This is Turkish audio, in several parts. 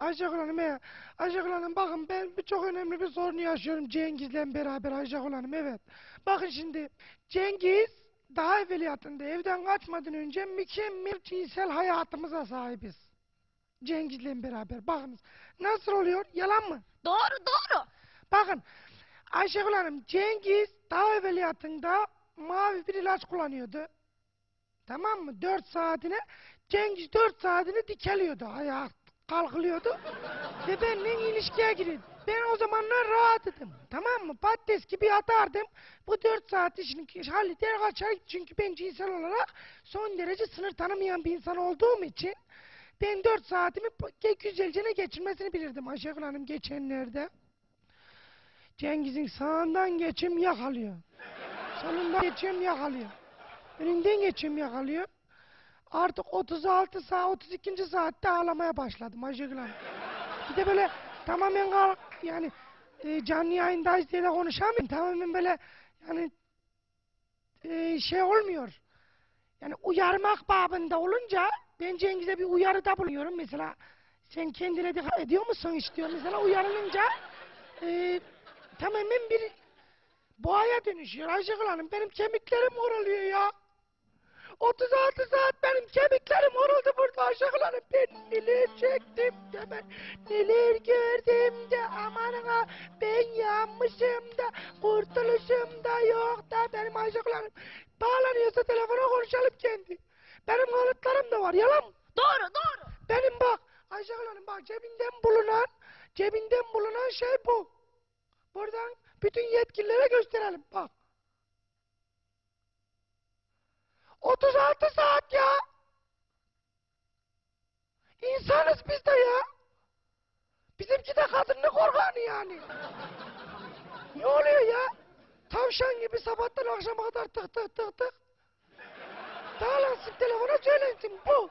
Ayşegül Hanım ya. Ayşegül Hanım bakın ben çok önemli bir sorunu yaşıyorum Cengiz'le beraber Ayşegül Hanım evet. Bakın şimdi Cengiz daha evveliyatında evden kaçmadan önce mükemmel cinsel hayatımıza sahibiz. Cengiz'le beraber bakınız. Nasıl oluyor? Yalan mı? Doğru doğru. Bakın Ayşegül Hanım Cengiz daha evveliyatında mavi bir ilaç kullanıyordu. Tamam mı? 4 saatine Cengiz 4 saatini dikeliyordu. Ayağa kalkılıyordu. Ve benimle ilişkiye giriyordu. Ben o zamanlar rahatladım. Tamam mı? Patates gibi yatardım. Bu 4 saat işini halleder kaçar. Çünkü ben cinsel olarak son derece sınır tanımayan bir insan olduğum için ben 4 saatimi güzelce geçirmesini bilirdim Ayşegül Hanım geçenlerde. Cengiz'in sağından geçim yakalıyor. Solundan geçim yakalıyor. Önünden geçim yakalıyor. Artık 36 saat, 32. saatte ağlamaya başladım Ayşegül Hanım. Bir de böyle tamamen yani canlı yayındayız diye de konuşamıyorum. Tamamen böyle yani şey olmuyor. Yani uyarmak babında olunca ben Cengiz'e bir uyarıda bulunuyorum. Mesela sen kendine dikkat ediyor musun hiç diyor. Mesela uyarılınca tamamen bir boğaya dönüşüyor Ayşegül Hanım. Benim kemiklerim horuluyor ya. 36 saat benim kemiklerim horuldu burada Ayşegül Hanım. Ben neler çektim de ben neler gördüm de amanına ben yanmışım da kurtuluşum da yok da benim Ayşegül Hanım. Bağlanıyorsa telefona konuşalım kendi. Benim kanıtlarım da var yalan mı? Doğru doğru. Benim bak Ayşegül Hanım bak cebinden bulunan şey bu. Buradan bütün yetkililere gösterelim bak. 36 saat ya. İnsanız biz de ya. Bizimki de kadınlık organı yani. Ne oluyor ya? Tavşan gibi sabahtan akşama kadar tık tık tık tık. Bağlansın telefona söylensin bu.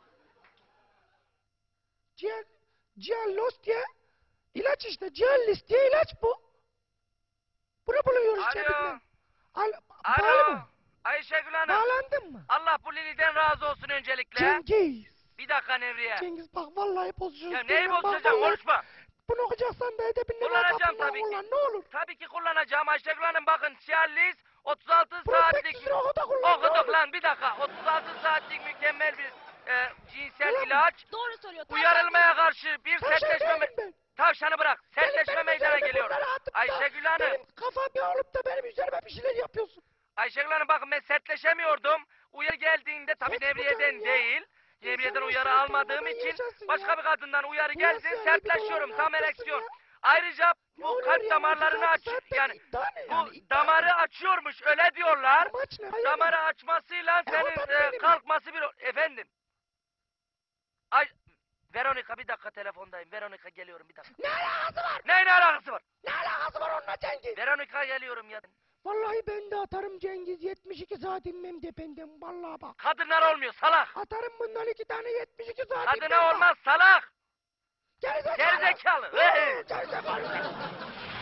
Cialos diye ilaç işte. Cialis diye ilaç bu. Bunu buluyoruz cebinden. Bağlı mı? Ayşegül Hanım. Bağlandın mı? Allah bu Lili'den razı olsun öncelikle. Cengiz. Bir dakika Nevriye. Cengiz bak vallahi bozacağız. Ya neyi bozacağım konuşma. Bunu okuyacaksan da edebinle Kullanacağım tabii ki. ne olur. Tabii ki kullanacağım Ayşegül Hanım bakın Cialis 36 saatlik. Prospektüsünü oku da kullan. Okuduk lan bir dakika. 36 saatlik mükemmel bir cinsel ilaç. Doğru söylüyor. Uyarılmaya karşı bir sertleşme... Ben. Tavşanı bırak. Sertleşme Benim meydana üzerime geliyor. bunları atıp da Ayşegül Hanım. Benim kafam olup da benim üzerime bir şeyler yapıyorsun. Ayşegül Hanım bakın ben sertleşemiyordum. Uyarı geldiğinde tabii Ses Nevriye'den buradan ya. değil. Nevriye'den İnsanın uyarı şeytan almadığım olmadan için yaşasın başka ya. bir kadından uyarı Bu geldi nasıl yani? sertleşiyorum. Bir de Tam olan ereksiyon. ya. Ayrıca Ne bu oluyor kalp ya? damarlarını 36 aç saatte yani iddia ne yani? bu İddia damarı ne? açıyormuş öyle diyorlar. Amaç ne? Hayır Damarı ya. açmasıyla o senin da benim. kalkması bir efendim. Ay Veronika bir dakika telefondayım. Veronika geliyorum bir dakika. Ne alakası var? Ne alakası var? Ne alakası var onunla Cengiz? Veronika geliyorum ya. Vallahi ben de atarım Cengiz 72 saat inmem dependen vallahi bak. Kadınlar olmuyor salak. Atarım bundan 2 tane 72 saat Kadına olmaz salak. Gerizekalı. Gerizekalı. Gerizekalı.